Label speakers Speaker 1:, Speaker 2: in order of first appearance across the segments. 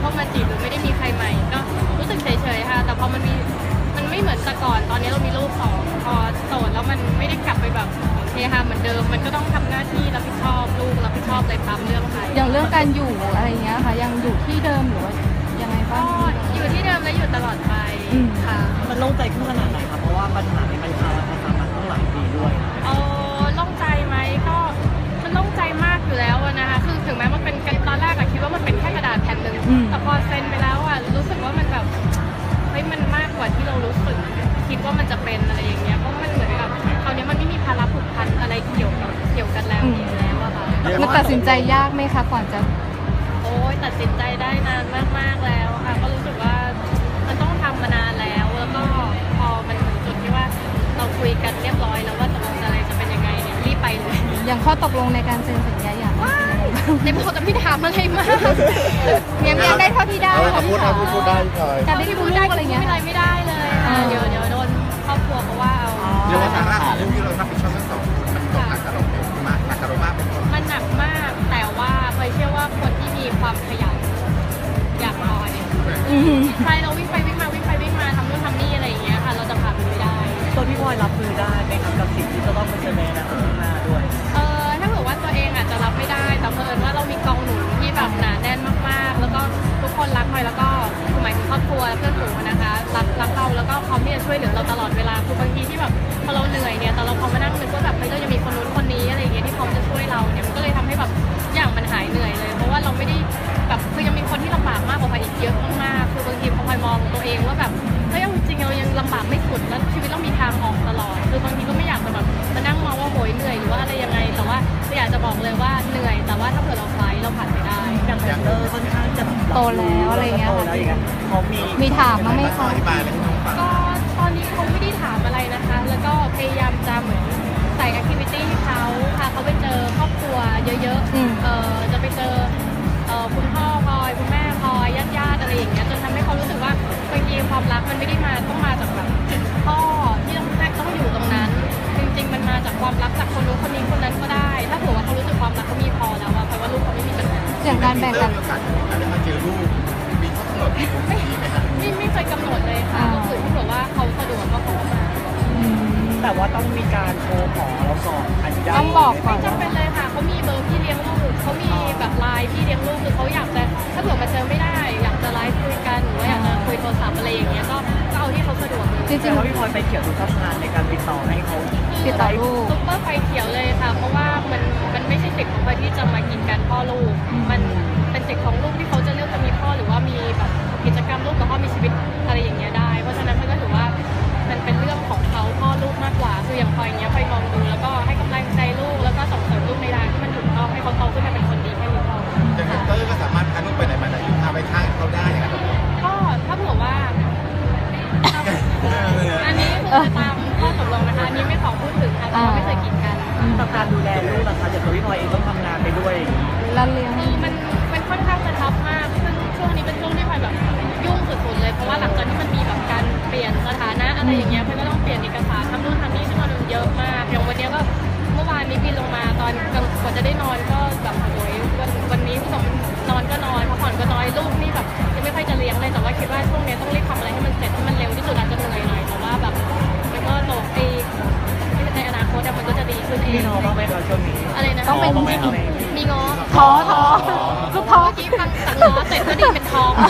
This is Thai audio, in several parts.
Speaker 1: ามาจีบหรือไม่ได้มีใครใหม่ก็รู้สึกเฉยๆค่ะแต่พอมันไม่เหมือนแต่ก่อนตอนนี้เรามีลูก2พอโสดแล้วมันไม่ได้กลับไปแบบเฮฮาเหมือนเดิมมันก็ต้องทำหน้าที่รับผิดชอบลูกรับผิดชอบเลยตามเรื่องค่ะ
Speaker 2: อย่างเรื่องการอยู่อะไรเงี้ยค่ะยังอยู่ที่เดิมหรือว่ายังไงบ้าง
Speaker 1: อยู่ที่เดิมและอยู่ตลอดไปค่ะ
Speaker 3: มันโล่งใจขึ้นขนาดไหนครับเพราะว่าปัญหาในมันคามันต้องหลายปีด้วย
Speaker 1: โล่งใจไหมก็มันโล่งใจมากอยู่แล้วนะคะคือถึงแม้มันเป็นตอนแรกอะคิดว่ามันเป็นแค่กระดาษแผ่นหนึ่งแต่พอเซ็นไปแล้วอะรู้สึกว่ามันแบบเฮ้ยมันมากกว่าที่เรารู้สึกคิดว่ามันจะเป็นอะไรอย่างเงี้ยเพราะมันเหมือนกับคราวนี้มันไม่มีภาระผูกพันอะไรเกี่ยวกันแล้วอะค่ะ
Speaker 2: มันตัดสินใจยากไหมคะก่อนจะ
Speaker 1: โอ้ยตัดสินใจได้นานมากๆแล้วค่ะก็รู้สึกว่ามันต้องทำมานานแล้วก็พอมันถึงจุดที่ว่าเราคุยกันเรียบร้อยแล้วว่าตกลงอะไรจะเป็นยังไงเนี่ยรีบไปเลย
Speaker 2: อย่างข้อตกลงในการเซ็นสัญญาอย่าง
Speaker 1: ในพอจะไม่ถามอะไรมาก
Speaker 2: เมียได้เท่าที่ได้
Speaker 4: พูดได้เลย
Speaker 2: การได้พูดได้อะไรเงี้ย
Speaker 1: ไม่ได้เลยเดี๋ยวโดนครอบครัวเพราะว่าเอา
Speaker 4: เรียกว่าทางหาเรื่องที่เรารับผิดชอบทั้งสองคนมันตกหนักกับเรามากหนักกับเรามาก
Speaker 1: มันหนักมากแต่ว่าเคยเชื่อว่าคนที่มีความขยันอยากน้อยใช่เราวิ่งไปวิ่งมาทำนู่นทำนี่อะไรอย่างเงี้ยค่ะเราจะผ่านมันไม่ได้
Speaker 3: ตัวพี่พลอยรับมือได้ไหมครับกับสิ่งที่จะต้องเผชิญในอนาคตข้างหน้าด้วย
Speaker 1: ถ้าเผื่อว่าตัวเองอาจจะรับไม่ได้แต่เผอิญว่าเรามีกองหนุนที่แบบหนาแน่นมากๆแล้วก็ทุกคนรักพลอยแล้วก็หมายถึงครอบครัวเพื่อนฝูงนะคะรักเราแล้วก็พร้อมที่จะช่วยเหลือเราตลอดเวลาคือบางทีที่แบบพอเราเหนื่อยเนี่ยแต่เราพอมานั่งนึกว่าแบบเราจะมีคนนู้นคนนี้อะไรอย่างเงี้ยที่พร้อมจะช่วยเราเนี่ยมันก็เลยทำให้แบบอย่างมันหายเหนื่อยเลยเพราะว่าเราไม่ได้แบบคือยังมีคนที่ลำบากมากกว่าพลอยอีกเยอะมากๆคือบางทีพอพลอยมองตัวเองว่าแบบเฮ้ยจริงๆเรายังลำบากไม่สุดแล้วชีวิตเรามีทางออกตลอดคือบางทีก็ไม่อยากจะแบบมานั่งมองว่าโหยเหนื่อยหรือว่าอะไรยังไงแต่ว่าอยากจะบอกเลยว่าเหนื่อยแต่ว่าถ้าเผื่อเราไฟเราผ่านไปได้
Speaker 3: อย่างค่อนข้างจะ
Speaker 2: โตแล้วอะไรเงี้ยค่ะ
Speaker 3: เขา
Speaker 2: มีถามบ้างไหมคะ
Speaker 1: ก็ตอนนี้เขาไม่ได้ถามอะไรนะคะแล้วก็พยายามจะเหมือนใส่แอคทิวิตี้ให้เขาพาเขาไปเจอครอบครัวเยอะๆจะไปเจอคุณพ่อพลอยคุณแม่พลอยญาติอะไรอย่างเงี้ยจนทำให้เขารู้สึกว่าบางทีความรักมันไม่ได้ต้องมาจากแบบพ่อที่ต้องอยู่ตรงนั้นจริงๆมันมาจากความรักจากคนนู้นคนนี้คนนั้นก็ได้ถ้าเผื่อว่าเขารู้สึกความรักเขามีพอแล้วอะแปลว่าลูกเขาไม่มีปัญหา
Speaker 2: อย่างการแบ่งกัน
Speaker 4: ได้มาเจอลูกมีข้อกำหนดไหมครับ
Speaker 1: ไม่เคยกำหนดเลยค่ะก็คือถ้าเผื่อว่าเขาสะดวกก็ขอมา
Speaker 3: แต่ว่าต้องมีการโทรขอเราก่อนอนุญาต
Speaker 2: ต้องบอกก่อน
Speaker 1: ไม่จำเป็นเลยค่ะเขามีเบอร์พี่เลี้ยงลูกเขามีแบบไลน์พี่เลี้ยงลูกคือเขาอยากจะถ้าเผื่อมาเจอไม่ได้อยากจะไลฟ์คุยกันหรือว่าอยากจะคุยโทรศัพท์อะไรอย่างเงี้ยก็เอาที่เขาสะดวกเลย
Speaker 2: จริงๆ
Speaker 3: ว่าพี่พลอยไปเขียวทุกช่องทางในการติดต่อให้เขา
Speaker 2: ติดต่อลูก
Speaker 1: ซุปเปอร์ไฟเขียวเลยค่ะเพราะว่ามันไม่ใช่สิทธิ์ของเขาที่จะมากินกันพ่อลูกมันเป็นสิทธิ์ของลูกที่เขาจะเลือกจะมีพ่อหรือว่ามีแบบกิจกรรมลูกกับพ่อมีชีวิตอะไรอย่างเงี้ยได้เพราะฉะนั้นมันก็ถือว่ามันเป็นเรื่องของเขาพ่อลูกมากกว่าคืออย่างพลอยเนี้ยพลอยมองดูแล้วก็ให้กำลังใจลูกแล้วก็ส่งเสริมลูกในทางที่มันถูกต้องให้เขาโตขึ้นมาเป็นคนดีแค่นี้พอ
Speaker 4: แต่เตอร์ก็สามารถพาลูกไปไหนมาไหนพาไปข้างเขาได้ครับ
Speaker 1: ก็ถ้าเผื่อว่าอันนี้คือตามข้อตกลงนะคะอันนี้ไม่ขอพูดถึงค่ะเพราะว่าไม่เคยกินกัน
Speaker 3: ต่อการดูแลลูกนะคะอย่างตัวพี่พลอยเองต้องทำงานไปด้วย
Speaker 2: แล้วเลี้ยง
Speaker 1: มันค่อนข้างจะทับมากซึ่งช่วงนี้เป็นช่วงที่พลอยแบบยุ่งสุดๆเลยเพราะว่าหลังจากที่มันมีแบบการเปลี่ยนสถานะอะไรอย่างเงี้ยพลอยก็ต้องเปลี่ยนเอกสารทำนู่นทำนี่ซึ่งมันเยอะมากอย่างวันนี้ก็เมื่อวานนี้บินลงมาตอนกว่าจะได้นอนก็แบบโอ้ยวันนี้ผู้ชมนอนก็นอนพักผ่อนก็น้อยลูกนี่แบบยังไม่ค่อยจะเลี้ยงเลยแต่ว่าคิดว่าช่วงนี้ต้องรีบทำอะไรให้มันเสร็จให้มันเร็วที่สุดอาจจะเหนื่อยหน่อยแต่ว่าแบบมันก็โตไปในอนาคตมันก็จะดีขึ้น
Speaker 3: มีน้องบ้างไหมคะช่วงนี้
Speaker 1: อะไรนะ
Speaker 2: ต้องเป็น
Speaker 1: มีง้อ
Speaker 2: ท้อ
Speaker 1: ก็ท้อเมื่อกี้ฟังจากง้อเสร็จก็ดีเป็นท้อง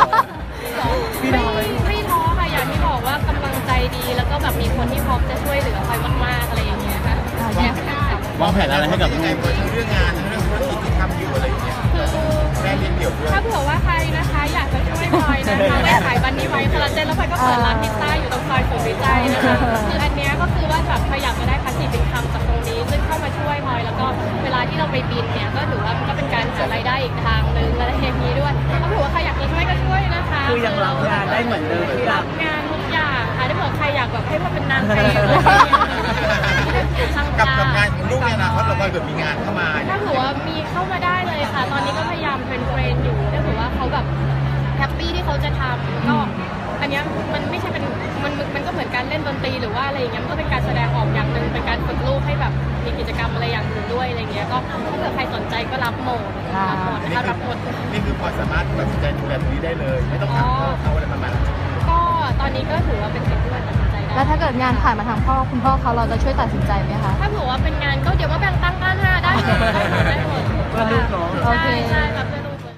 Speaker 1: ไม่ท้อค่ะอย่างที่บอกว่ากำลังใจดีแล้วก็แบบมีคนที่พร้อมจะช่วยเหลือคอยมากๆอะไรอย่างเงี้ยค่ะ
Speaker 4: วางแผนอะไรให้กับยังไงทั้งเรื่องงานทั้งเรื่องธุรกิจที่ทำอยู่อะไรอย่างเงี้ยแม่เลี้ยงเดี่ยวด้วย
Speaker 1: ถ้าเผื่อว่าใครนะคะอยากจะช่วยพลอยนะคะไว้ขายบันนี้ไว้คอลลาเจนแล้วพลอยก็เปิดร้านพิซซ่าอยู่ตรงซอยสุขุมวิทนะคะคืออันเนี้ยก็คือว่าแบบพลอยอยากจะได้พาสซีฟอินคัมจากตรงนี้ซึ่งเข้ามาช่วยพลอยแล้วก็เวลาที่เราไปบินเนี่ยก็ถือว่ามันก็เป็นการหารายได้อีกทางนึงอะไรอย่างนี้ด้วยถ้าเผื่อว่าใครอยากจะช่วยก็ช่วยนะคะ
Speaker 3: คือยังรับงานได้เหมือนเดิมที่รับ
Speaker 1: งานทุกอย่างค่ะถ้าเผื่อใครอยากแบบให้ว่าเป็นนางเอก
Speaker 4: กับงานของลูกเนี่ยนะเพราะเราเกิดมีงานเข้ามา
Speaker 1: ถ้าถือว่ามีเข้ามาได้เลยค่ะตอนนี้ก็พยายามเทรนอยู่ถ้าถือว่าเขาแบบแฮปปี้ที่เขาจะทำก็อันนี้มันไม่ใช่เป็นมันก็เหมือนการเล่นดนตรีหรือว่าอะไรอย่างเงี้ยมันก็เป็นการแสดงออกอย่างหนึ่งเป็นการฝึกลูกให้แบบมีกิจกรรมอะไรอย่างอื่นด้วยอะไรเงี้ยก็ถ้าเกิดใครสนใจก็รับหมดนะคะรับหมด
Speaker 4: นี่คือพอสามารถตัดสินใจดูแลตรงนี้ได้เลย ไม่ต้องถามพ่อเขาอะไรประมาณนั้น
Speaker 1: ก็ตอนนี้ก็ถือว่าเป็นสิ่งที่เราตัดสินใจได้
Speaker 2: แล้วถ้าเกิดงานผ่านมาทางพ่อคุณพ่อเขาเราจะช่วยตัดสินใจไหมคะ
Speaker 1: ถ้าเผื่อว่าเป็นงานก็เดี๋ยวมาแบ่งตังค์กันค่ะได้หมดได้หมด
Speaker 3: เพื่อลูกเนาะ
Speaker 2: โอเค
Speaker 1: ใช่